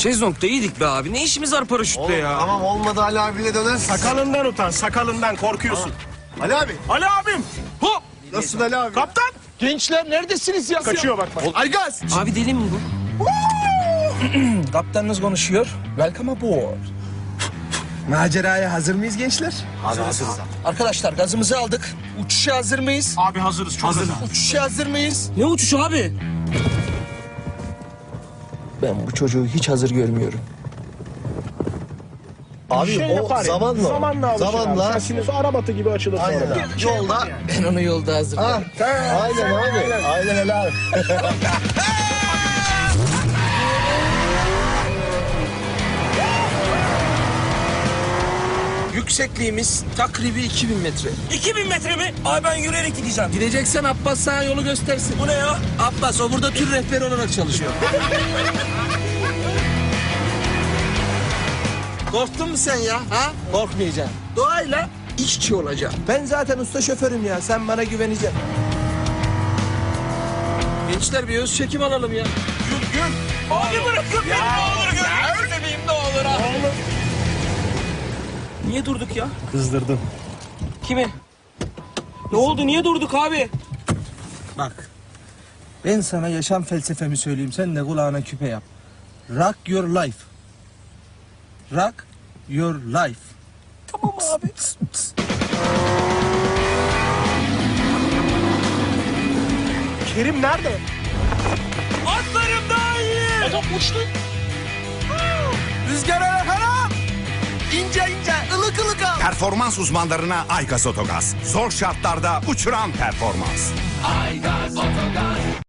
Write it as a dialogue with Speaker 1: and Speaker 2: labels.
Speaker 1: Şezlong'da iyiydik be abi. Ne işimiz var paraşütle ya?
Speaker 2: Tamam olmadı Ali abiyle dönersin.
Speaker 3: Sakalından utan, sakalından korkuyorsun.
Speaker 2: Ali abi.
Speaker 3: Ali abim! Hop!
Speaker 2: Nasılsın Ali abi?
Speaker 3: Kaptan!
Speaker 4: Gençler neredesiniz ya?
Speaker 3: Kaçıyor bak.
Speaker 4: Aygaz!
Speaker 1: Abi deli mi bu?
Speaker 4: Kaptanınız konuşuyor. Welcome aboard. Maceraya hazır mıyız gençler?
Speaker 2: Abi hazırız.
Speaker 4: Arkadaşlar gazımızı aldık. Uçuşa hazır mıyız?
Speaker 3: Abi hazırız, çok hazır.
Speaker 4: Uçuşa hazır mıyız?
Speaker 1: Ne uçuşu abi?
Speaker 4: Ben bu çocuğu hiç hazır görmüyorum.
Speaker 2: Abi
Speaker 3: Şey
Speaker 2: o
Speaker 3: yapar ya,
Speaker 2: zamanla.
Speaker 3: Zamanla alışır
Speaker 2: Zamanla.
Speaker 3: abi. Şasiniz arabatı gibi açılır sonra.
Speaker 2: Aynen.
Speaker 3: da.
Speaker 2: Yolda.
Speaker 4: Ben onu yolda hazırlarım.
Speaker 2: Aynen abi. Aynen Ali abi.
Speaker 4: Yüksekliğimiz takribi 2000 metre.
Speaker 1: 2000 metre mi? Abi ben yürüyerek gideceğim.
Speaker 4: Gideceksen Abbas sana yolu göstersin.
Speaker 1: Bu ne ya?
Speaker 4: Abbas o burada tür rehberi olarak çalışıyor. Korktun mu sen ya? Ha? Korkmayacaksın. Doğayla işçi olacaksın. Ben zaten usta şoförüm ya. Sen bana güveneceksin. Gençler bir öz çekim alalım ya.
Speaker 1: Abi bırakın beni ne olur görün.
Speaker 4: Seveyim ne olur ha.
Speaker 1: Niye durduk ya?
Speaker 3: Kızdırdın.
Speaker 1: Kimi? Ne oldu? Niye durduk abi?
Speaker 4: Bak. Ben sana yaşam felsefemi söyleyeyim. Sen de kulağına küpe yap. Rock your life. Rock your life.
Speaker 1: Tamam abi.
Speaker 3: Kerim nerede?
Speaker 1: Atlarım daha iyi.
Speaker 3: Adam uçtu.
Speaker 4: Rüzgar ara İnce ince, ılık ılık al.
Speaker 5: Performans uzmanlarına Aygaz Otogaz. Zor şartlarda uçuran performans.
Speaker 4: Ay